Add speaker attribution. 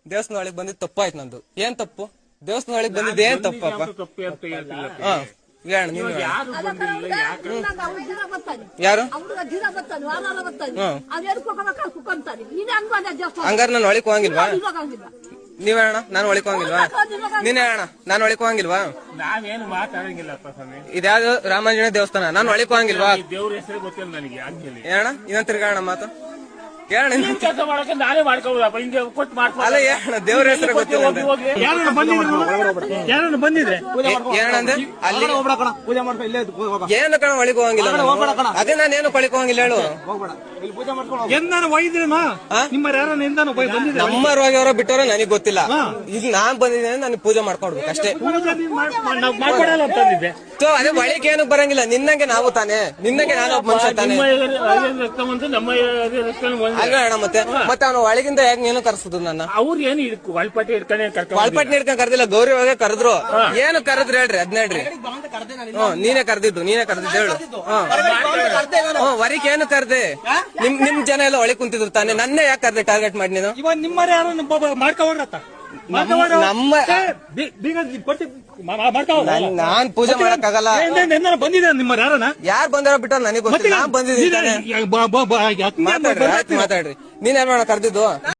Speaker 1: ದೇವಸ್ಥಾನ ಒಳಗೆ ಬಂದಿದ್ ತಪ್ಪಾಯ್ತು ನಂದು. ಏನ್ ತಪ್ಪು? ದೇವಸ್ಥಾನ ಒಳಗೆ ಬಂದಿದ್ದು ಏನ್ ತಪ್ಪಪ್ಪ? ಹೇಳ ನೀನು. ಯಾರು ಹಂಗಾರ ನಾನು ಒಳಕ್ ಹೋಗಂಗಿಲ್ವಾ? ನೀವ್ ಹೇಳೋಣ, ನಾನು ಒಳಕ್ ಹೋಗಂಗಿಲ್ವಾ? ನೀನ್ ಹೇಳೋಣ, ನಾನು ಒಳಕ್ ಹೋಗಂಗಿಲ್ವಾ?
Speaker 2: ನಾವೇನು ಮಾತಾಡಂಗಿಲ್ಲಪ್ಪ ಸ್ವಾಮಿ.
Speaker 1: ಇದ್ಯಾವ್ದು ರಾಮಾಂಜನೇಯ ದೇವಸ್ಥಾನ, ನಾನು ಒಳಕ್ ಹೋಗಂಗಿಲ್ವಾ?
Speaker 2: ದೇವ್ರ ಹೆಸರು ಗೊತ್ತಿಲ್ಲ ನನಗೆ.
Speaker 1: ಹೇಳೋಣ, ಇನ್ನೊಂದ್ ತಿರ್ಗಾಣ ಮಾತು ಹೇಳ.
Speaker 2: ಕೆಲಸ ಮಾಡಕ್ಕೆ ನಾನೇ ಮಾಡ್ಕೋಬೋದಪ್ಪ, ಹಿಂಗೆ ಕೊಟ್ಟು ಮಾಡ್ಕೊ.
Speaker 1: ಅಲ್ಲ ಹೇಳ, ದೇವ್ರ ಹೆಸರು ಗೊತ್ತಿಲ್ಲ.
Speaker 2: ಯಾರನ್ನ ಬಂದಿದೆ
Speaker 1: ಏನಂದೆ? ಅಲ್ಲಿ
Speaker 3: ಪೂಜೆ ಮಾಡ್ಕೊ, ಇಲ್ಲೇ
Speaker 1: ಏನು ಕಣ ಒಳಗೆ ಹೋಗಂಗಿಲ್ಲ. ಅದೇ ನಾನು ಏನು ಕೊಳಿಕ್ ಹೋಗಂಗಿಲ್ಲ ಹೇಳು.
Speaker 3: ಪೂಜೆ ಮಾಡ್ಕೊಂಡು
Speaker 2: ಎಂದಾನು ಒಯ್ದ್ರೇನಾ? ನಿಮ್ಮ ಯಾರನ್ನ ಎಂದಾನು ಬಂದಿದೆ?
Speaker 1: ನಮ್ಮ ರೋಗಿಯವರ ಬಿಟ್ಟವರ ನನಗೆ ಗೊತ್ತಿಲ್ಲ. ಈಗ ನಾನ್ ಬಂದಿದ್ದೇನೆ, ನನಗೆ ಪೂಜೆ ಮಾಡ್ಕೊಡ್ಬೇಕು ಅಷ್ಟೇ.
Speaker 2: ಮಾಡ್ಕೊಡಲ್ಲ ಅಂತಂದಿದ್ದೆ.
Speaker 1: ಅದೇ ಒಳಗೆ ಏನು ಬರಂಗಿಲ್ಲ. ನಿನ್ನಂಗೆ ನಾವು ತಾನೆ, ನಿನ್ನಂಗೆ ನಾನು ಒಬ್ಬ ಮನುಷ್ಯ ತಾನೆ.
Speaker 2: ರಕ್ತ ಬಂತು, ನಮ್ಮ ರಕ್ತ
Speaker 1: ಅಲ್ಲ ಅಣ್ಣ, ಮತ್ತೆ ಅವನು ಒಳಗಿಂದ ಯಾಕೆ ನೀನು ಕರ್ಸುದು ನನ್ನ?
Speaker 2: ಅವ್ರು ಏನು ಒಳಪಟ್ಟಿ ಹಿಡ್ಕೊಂಡು
Speaker 1: ಒಳಪಟ್ಟಿ ಹಿಡ್ಕೊಂಡ್ ಕರ್ದಿಲ್ಲ, ಗೌರಿ ಒಳಗೆ ಕರೆದ್ರು. ಏನು ಕರೆದ್ರು ಹೇಳ್ರಿ, ಅದ್ನ ಹೇಳ್ರಿ. ನೀನೇ ಕರ್ದಿದ್ದು ಹೇಳು. ವರಿಕ್ ಏನು ಕರ್ದೆ? ನಿಮ್ ಜನ ಎಲ್ಲ ಒಳಗೆ ಕುಂತಿದ್ರು ತಾನೆ, ನನ್ನೇ ಯಾಕೆ ಕರ್ದೆ ಟಾರ್ಗೆಟ್ ಮಾಡಿ ನೀನು?
Speaker 2: ಇವಾಗ ನಿಮ್ಮ ಯಾರು ಮಾಡ್ಕೋರತ್ತ
Speaker 1: ನಮ್ಮ ನಾನ್ ಪೂಜೆ ಮಾಡಕ್ಕಾಗಲ್ಲ.
Speaker 2: ಬಂದಿದೆ ನಿಮ್ಮ ಯಾರನ್ನ?
Speaker 1: ಯಾರು ಬಂದಾರ ಬಿಟ್ಟ ನನಗೆ ಗೊತ್ತಿಲ್ಲ. ನಾನ್ ಬಂದಿದ್ದೀನಿ. ಮಾತಾಡ್ರಿ, ನೀನ್ ಏನ್ ಮಾಡ ಕರ್ದಿದ್ದು?